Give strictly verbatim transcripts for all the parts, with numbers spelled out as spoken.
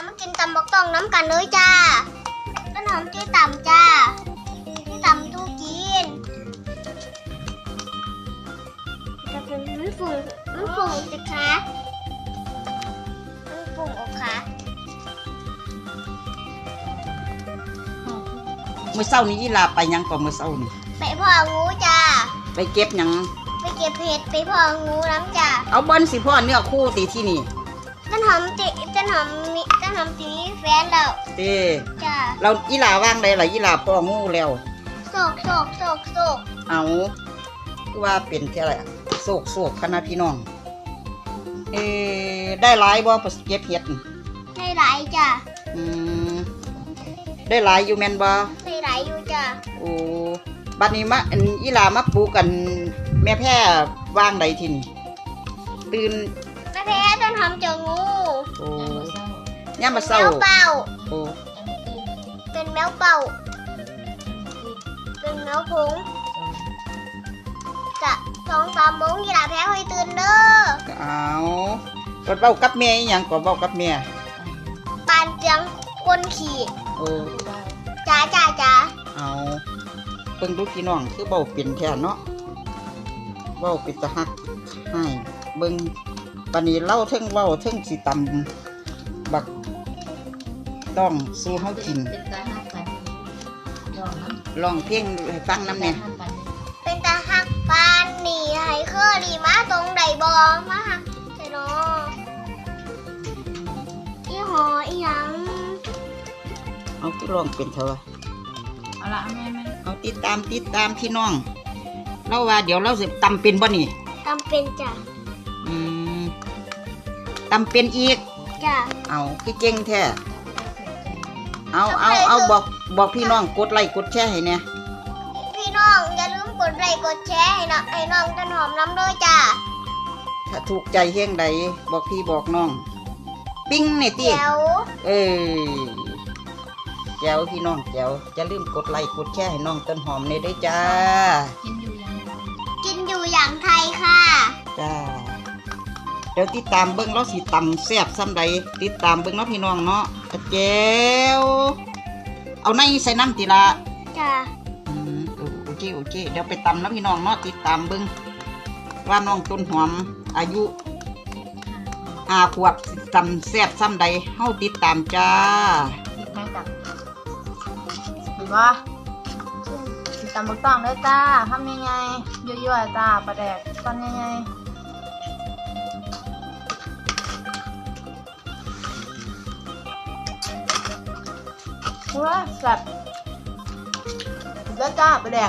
มากินตำบักต้องน้ำกันเลยจ้าต้นหอมชื่อต่ำจ้าชื่อต่ำตู้กินจะเป็นมันฝุ่งมันฝุ่งสิคะมันฝุ่งออกค่ะเมื่อเช้านี้ยีราไปยังก่อนเมื่อเช้านี่ไปพ่องูจ้าไปเก็บยังไปเก็บเห็ดไปพ่องูน้ำจ้าเอาเบิ้ลสิพ่อเนื้อคู่ตีที่นี่ต้นหอมติต้นหอมมีต้นหอมตีแฟนแล้วเต้จ้าเรายีราว่างได้หรอยีราพ่องูแล้วโศกโศกโศกโศกเอาว่าเป็นแค่ไรโศกโศกคณะพี่น้องเอได้หลายบ่เก็บเห็ดได้หลายจ้าอืมได้หลายอยู่แม่นบ่ได้หลายอยู่จ้าโอ้บัดนี้มาอันอีหลามาปลูกกันแม่แพร่ว่างใดทีนี่ตื่นแม่แพร่ต้นหอมเจองูโอ้ย่ามาเศร้าแมวเป่าโอ้เป็นแมวเป่าเป็นแมวผงจะสองสามโมงอีหลาแพ้ให้ตื่นเด้อเอากดเบ้ากับแม่อีหยังกดเบ้ากับแม่ปานเจียงคนขี่โอ้จ้าจ้าจ้าเอาเพิ่งดูพี่น้องคือเบ้าเป็นแท้เนาะเบ้าเป็นตะหักให้เบิ่งปานนี้เล่าเทิงเว้าเทิงสิตำบักต้องสู้เฮากินลองเพลงให้ฟังนำแน่เป็นตาหักปานนี่ให้เคอรี่มาตรงใดบ่มาหักใช่เนาะอีหออีหยังเอาที่ลองเป็นเถอะเอาละแม่แม่เอาติดตามติดตามพี่น้องเราว่าเดี๋ยวเราสิตำเป็นบ่นี่ตำเป็นจ้ะอืมตำเป็นอีกจ้ะเอาคือเก่งแท้เอาเอาเอาบอกบอกพี่น้องกดไลค์กดแชร์ให้เนี่ยพี่น้องอย่าลืมกดไลค์กดแชร์ให้นะให้น้องต้นหอมน้ำด้วยจ้ะถ้าถูกใจเฮงใดบอกพี่บอกน้องปิ้งนี่ติแจ๋วเออแจ๋วพี่น้องแจ๋วอย่าลืมกดไลค์กดแชร์ให้น้องต้นหอมเนี่ยด้วยจ้ากินอยู่อย่างกินอยู่อย่างไทยค่ะจ้าเดี๋ยวติดตามเบิ้งเราสิตำแซ่บซ้ำใดติดตามเบิ้งเนาะพี่น้องเนาะแจ๋วเอาในใส่น้ำติละจ้าอืมโอเคโอเคเดี๋ยวไปตำนะพี่น้องเนาะติดตามเบิ้งว่าน้องต้นหอมอายุห้าขวบตำแซ่บซ้ำใดเฮาติดตามจ้าติดแม่จับถือว่าติดตามบุกต้องได้จ้าทำยังไงยั่วๆจ้าปลาแดกตอนยังไงว้าแซ่บแล้วจ้าปลาแดก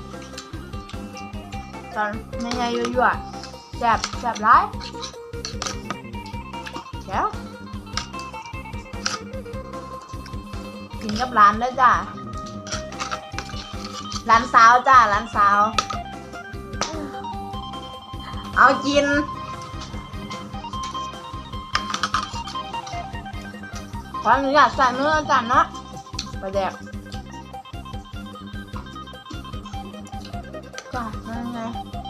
ตอนยังไงยั่วๆแซ่บแซ่บร้ายแล้วกินกับร้านเลยจ้าร้านสาวจ้าร้านสาวเอากินขออนุญาตใส่เนื้อจ้าเนาะไปแดกจ้าเป็นไง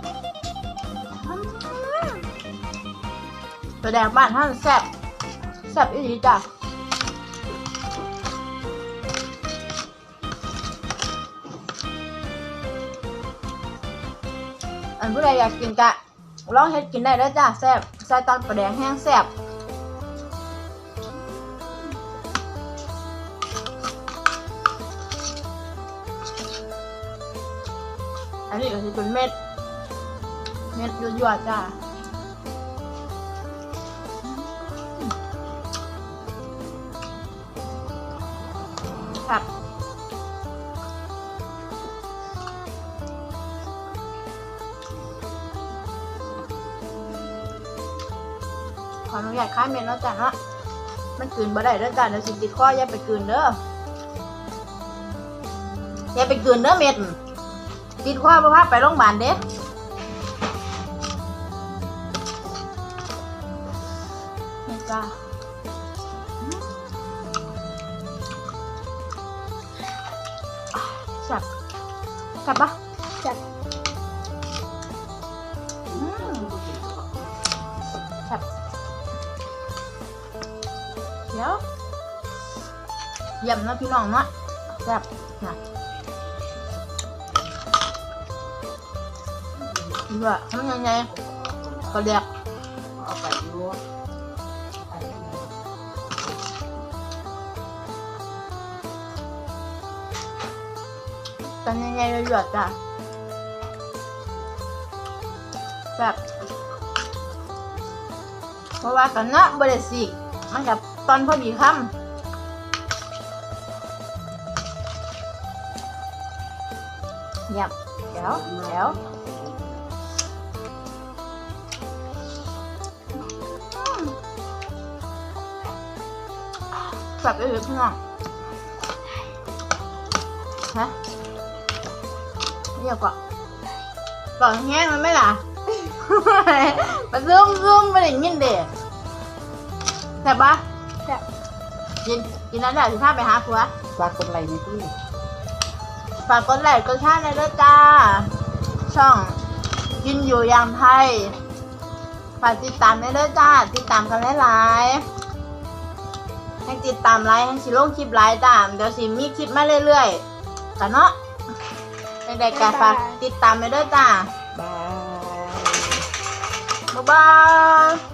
ไปแดกบ้านท่านแซ่บแซ่บอีหลีจ้ะอันผู้ใดอยากกินกะลองเฮ็ดกินได้แล้วจ้ะแซ่บใส่ตอนปลาแดงแห้งแซ่บอันนี้ก็คือเป็นเม็ดเม็ดยั่วๆจ้ะครับขออนุญาตค้าเม็ดแล้วจ้ะเนาะมันกลืนบ่ได้เด้อจ้ะเดี๋ยวสิติดคออย่าไปกลืนเด้ออย่าไปกลืนเด้อเม็ดติดคอบ่พาไปโรงพยาบาลเด้นี่จ้ะจับจับปะจับจับเดี๋ยวเยี่ยมเนาะพี่น้องเนาะแซ่บนะด้วยทำยังไงก็เรียกเอาไปดูทำยังไงเลยหยดจ้ะแบบเพราะว่ากันเนาะบริสิมันกับตอนพอดีคำเยี่ยมเดี๋ยวเดี๋ยวแบบไปเลยพี่น้องฮะเรียกว่าก่อนแห้งมันไม่ล่ะ มาซึมซึมมาอย่างนี้เด็กแซ่บปะแซ่บกินกินแล้วเดี๋ยวสิพาไปหาผัวฝากกดไลค์ในที่ฝากกดไลค์กดแชร์ในด้วยจ้าช่องกินอยู่อย่างไทยฝากติดตามในด้วยจ้าติดตามกันหลายๆให้ติดตามไลค์ให้สิลงคลิปไลค์จ้าเดี๋ยวสิมีคลิปมาเรื่อยๆกันเนาะเด็กๆก็ฝากติดตามในด้วยจ้าบายบ๊ายบาย